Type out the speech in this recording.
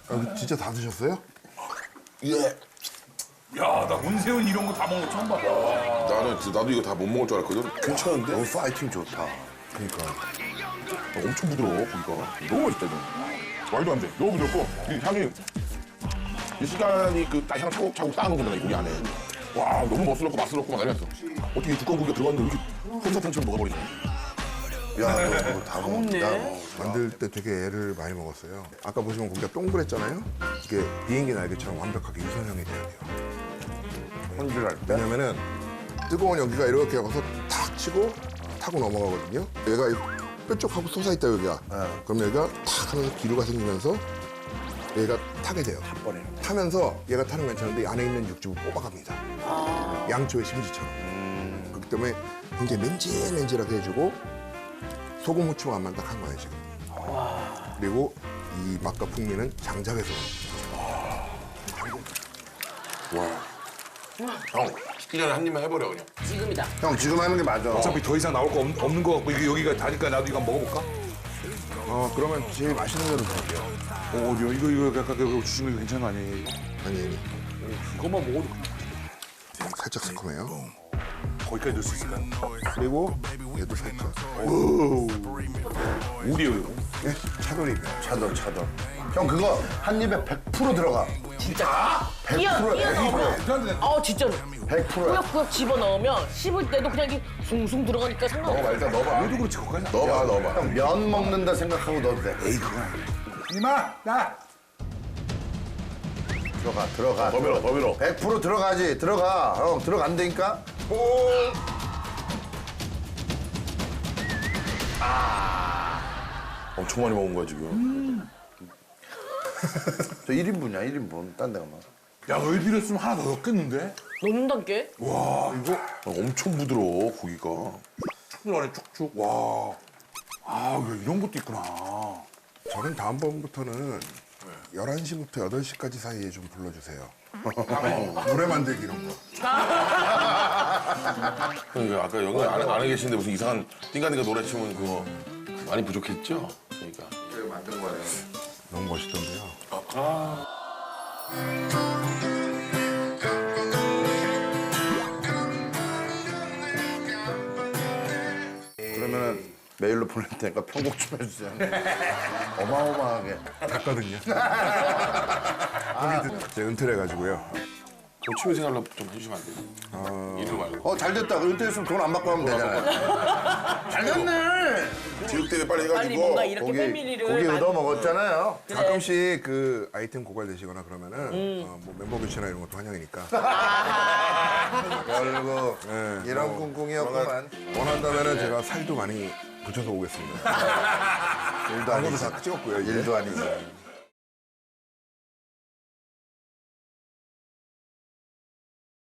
아, 진짜 다 드셨어요? 예. 야, 나 문세윤 이런 거 다 먹는 거 처음 봐. 나도 이거 다 못 먹을 줄 알았거든. 괜찮은데? 너무 파이팅 좋다. 그러니까. 엄청 부드러워 고기가. 너무 맛있다 이거. 말도 안 돼. 너무 부드럽고 이 향이 이 시간이 그 딱 향 차곡차곡 쌓아놓은 거잖아 이 고기 안에. 와 너무 멋스럽고 맛스럽고 막 이랬어. 어떻게 이 두꺼운 고기가 들어갔는데 이렇게 솜사탕처럼 먹어버리냐. 야, 너 다 먹네. 먹는다. 만들 때 되게 애를 많이 먹었어요. 아까 보시면 고기가 동그랬잖아요. 이게 비행기 날개처럼 완벽하게 유선형이 돼야 돼요. 손질할 때? 왜냐면은 뜨거운 연기가 이렇게 와서 탁 치고 타고 넘어가거든요. 얘가 뾰족하고 솟아있다 여기가. 그럼 여기가 탁 하면서 기류가 생기면서 얘가 타게 돼요. 한 번에. 타면서 얘가 타는 건 괜찮은데 이 안에 있는 육즙을 뽑아갑니다. 양초의 심지처럼. 그렇기 때문에 굉장히 맨질맨질하게 해주고 소금 후추 맛만 딱 한 거예요 지금. 그리고 이 맛과 풍미는 장작에서 옵니다. 와. 형 식기 전에 한 입만 해버려 그냥. 지금이다. 형 지금 하는 게 맞아. 어차피 더 이상 나올 거 없는 거 같고 이게 여기가 다니까 나도 이거 한번 먹어볼까? 그러면 제일 맛있는 대로 드릴게요. 어디요? 이거 아까 그거 주신 거 괜찮은 거 아니에요? 이거? 아니 이것만 먹어도 살짝 새콤해요. 거기까지 넣을 수 있을까요? 그리고 얘도 살짝. 우리요 이거. 예, 차돌이에요. 차돌. 형 그거 한 입에 100% 들어가. 진짜. 100%야. 넣으면. 진짜로. 100%야. 꾸역꾸역 집어 넣으면 씹을 때도 그냥 이게 숭숭 들어가니까 상관없어. 넣어봐 일단 넣어봐. 얘도 그렇지 거기까지. 넣어봐. 형 면 먹는다 생각하고 넣어도 돼. 에이 그건 아니에요. 이마 나. 들어가. 더 밀어. 100% 들어가지. 들어가. 형 들어간다니까. 엄청 많이 먹은 거야 지금. 저 1인분이야 1인분. 딴 데가 막. 야 너희 비렸으면 하나 더 넣겠는데? 넣는단게? 엄청 부드러워 고기가. 축축 안에 축축. 와. 아 이런 것도 있구나. 저는 다음번부터는 11시부터 8시까지 사이에 좀 불러주세요. 노래 만들기 이런 거. 그러니까 아까 여기 안에 계신데 무슨 이상한 띵가띵가 노래 치면 그거 많이 부족했죠? 그러니까. 제가 만든 거예요. 너무 멋있던데요. 그러면은 메일로 보낼 테니까 편곡 좀 해주세요. 어마어마하게. 갔거든요. 제가 은퇴를 해가지고요. 그 취미생활로 좀 해주시면 안 돼요? 일을 말고. 잘 됐다. 은퇴했으면 돈 안 받고 하면 되잖아요. 잘 됐네. 지역 때문에 빨리 빨리 해가지고. 뭔가 이렇게 패밀리를. 고기 많이- 얻어 먹었잖아요. 가끔씩 그 아이템 고갈되시거나 그러면은 뭐 멤버 교체나 이런 것도 환영이니까. 결국 네, 이런 꿍꿍이었구만. 원한다면은 제가 살도 많이 붙여서 오겠습니다. 일도 아니지. 다 찍었고요. 이제. 일도 아니지.